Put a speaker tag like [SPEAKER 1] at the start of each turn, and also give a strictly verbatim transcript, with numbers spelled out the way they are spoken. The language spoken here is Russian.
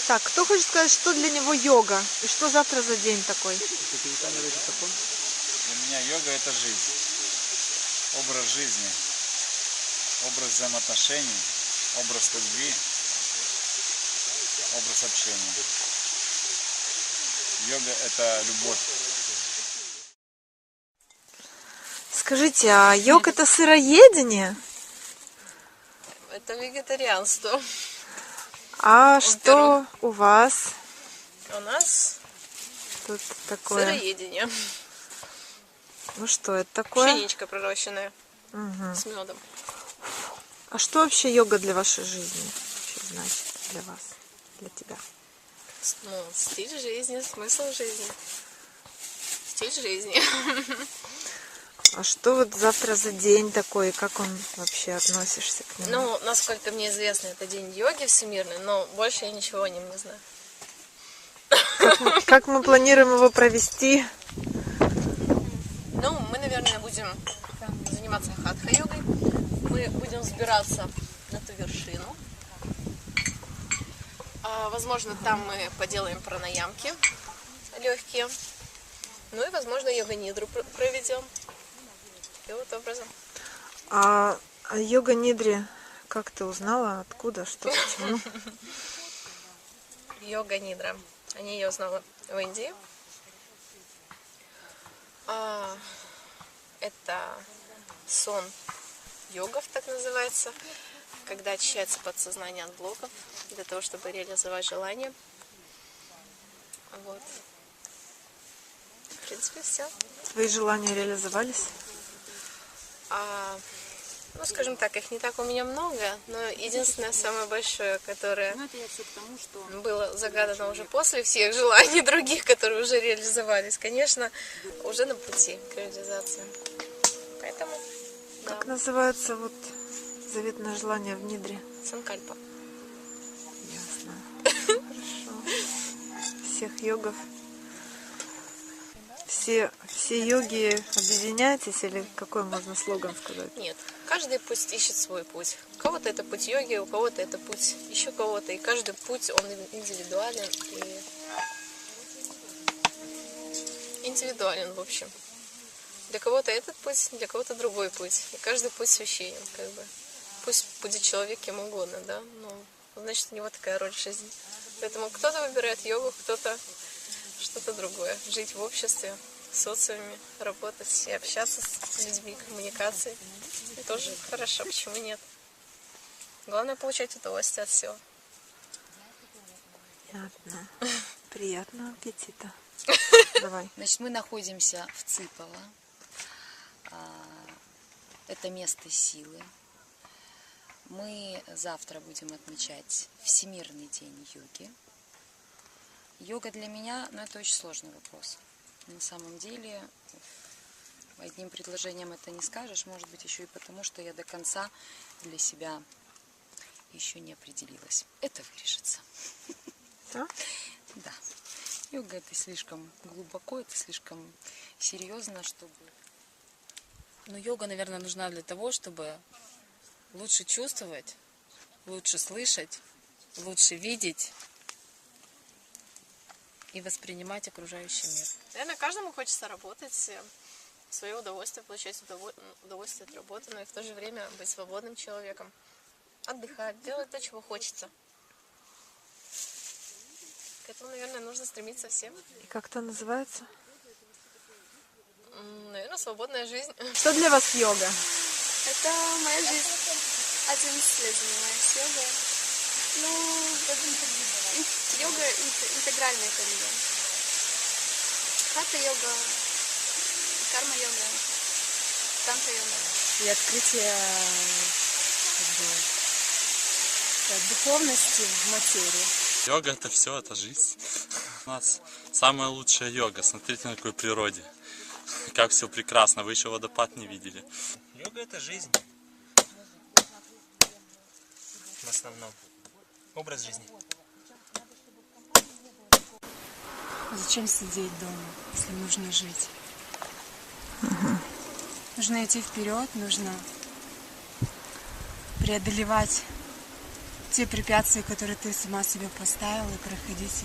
[SPEAKER 1] Так, кто хочет сказать, что для него йога? И что завтра за день такой?
[SPEAKER 2] Для меня йога это жизнь. Образ жизни. Образ взаимоотношений. Образ любви. Образ общения. Йога это любовь.
[SPEAKER 1] Скажите, а йога это сыроедение?
[SPEAKER 3] Это вегетарианство.
[SPEAKER 1] А что у вас?
[SPEAKER 3] У нас
[SPEAKER 1] тут такое?
[SPEAKER 3] Сыроедение.
[SPEAKER 1] Ну что это такое?
[SPEAKER 3] Пшеничка пророщенная.
[SPEAKER 1] Угу.
[SPEAKER 3] С медом.
[SPEAKER 1] А что вообще йога для вашей жизни? Вообще значит для вас, для тебя?
[SPEAKER 3] Ну, стиль жизни, смысл жизни. Стиль жизни.
[SPEAKER 1] А что вот завтра за день такой, как он вообще относишься к нему?
[SPEAKER 3] Ну, насколько мне известно, это день йоги всемирный, но больше я ничего о нем не знаю.
[SPEAKER 1] Как мы, как мы планируем его провести?
[SPEAKER 3] Ну, мы, наверное, будем заниматься хатха-йогой. Мы будем взбираться на ту вершину. А, возможно, там мы поделаем пранаямки легкие. Ну и, возможно, йога-нидру проведем. И вот образом.
[SPEAKER 1] А, а йога-нидре, как ты узнала, откуда, что, почему?
[SPEAKER 3] Йога-нидра. Они ее узнала в Индии. А, это сон йогов, так называется, когда очищается подсознание от блоков, для того, чтобы реализовать желание. Вот. В принципе, все.
[SPEAKER 1] Твои желания реализовались?
[SPEAKER 3] А, ну, скажем так, их не так у меня много, но единственное, самое большое, которое было загадано уже после всех желаний других, которые уже реализовались, конечно, уже на пути к реализации. Поэтому,
[SPEAKER 1] Как
[SPEAKER 3] да.
[SPEAKER 1] называется вот заветное желание в нидре?
[SPEAKER 3] Санкальпа.
[SPEAKER 1] Ясно. Хорошо. Всех йогов. Все, все йоги объединяйтесь, или какой можно слоган сказать?
[SPEAKER 3] Нет, каждый пусть ищет свой путь. У кого-то это путь йоги, у кого-то это путь еще кого-то. И каждый путь, он индивидуален. И... Индивидуален, в общем. Для кого-то этот путь, для кого-то другой путь. И каждый путь священен, как бы. Пусть будет человек кем угодно, да, но значит у него такая роль в жизни. Поэтому кто-то выбирает йогу, кто-то что-то другое. Жить в обществе, в социуме, работать и общаться с людьми, коммуникации. И тоже хорошо, почему нет? Главное получать удовольствие от всего.
[SPEAKER 1] Понятно. Приятного аппетита. Давай.
[SPEAKER 4] Значит, мы находимся в Цыпово. Это место силы. Мы завтра будем отмечать Всемирный день йоги. Йога для меня, ну, это очень сложный вопрос. На самом деле, одним предложением это не скажешь, может быть, еще и потому, что я до конца для себя еще не определилась. Это вырежется.
[SPEAKER 1] Да?
[SPEAKER 4] Да. Йога это слишком глубоко, это слишком серьезно, чтобы...
[SPEAKER 5] Но йога, наверное, нужна для того, чтобы лучше чувствовать, лучше слышать, лучше видеть и воспринимать окружающий мир.
[SPEAKER 3] Наверное, каждому хочется работать, в свое удовольствие, получать удовольствие от работы, но и в то же время быть свободным человеком, отдыхать, делать то, чего хочется. К этому, наверное, нужно стремиться всем.
[SPEAKER 1] И как это называется?
[SPEAKER 3] Наверное, свободная жизнь.
[SPEAKER 1] Что для вас йога?
[SPEAKER 6] Это моя жизнь. одиннадцать лет занимаюсь йогой. Ну, йога интегральная для меня. Хатха-йога, карма-йога, танtra-йога.
[SPEAKER 5] И открытие как бы, духовности в материи.
[SPEAKER 7] Йога это все, это жизнь. У нас самая лучшая йога. Смотрите на какой природе. Как все прекрасно. Вы еще водопад не видели.
[SPEAKER 2] Йога это жизнь. В основном. Образ жизни.
[SPEAKER 8] Зачем сидеть дома, если нужно жить? Угу. Нужно идти вперед, нужно преодолевать те препятствия, которые ты сама себе поставила, и проходить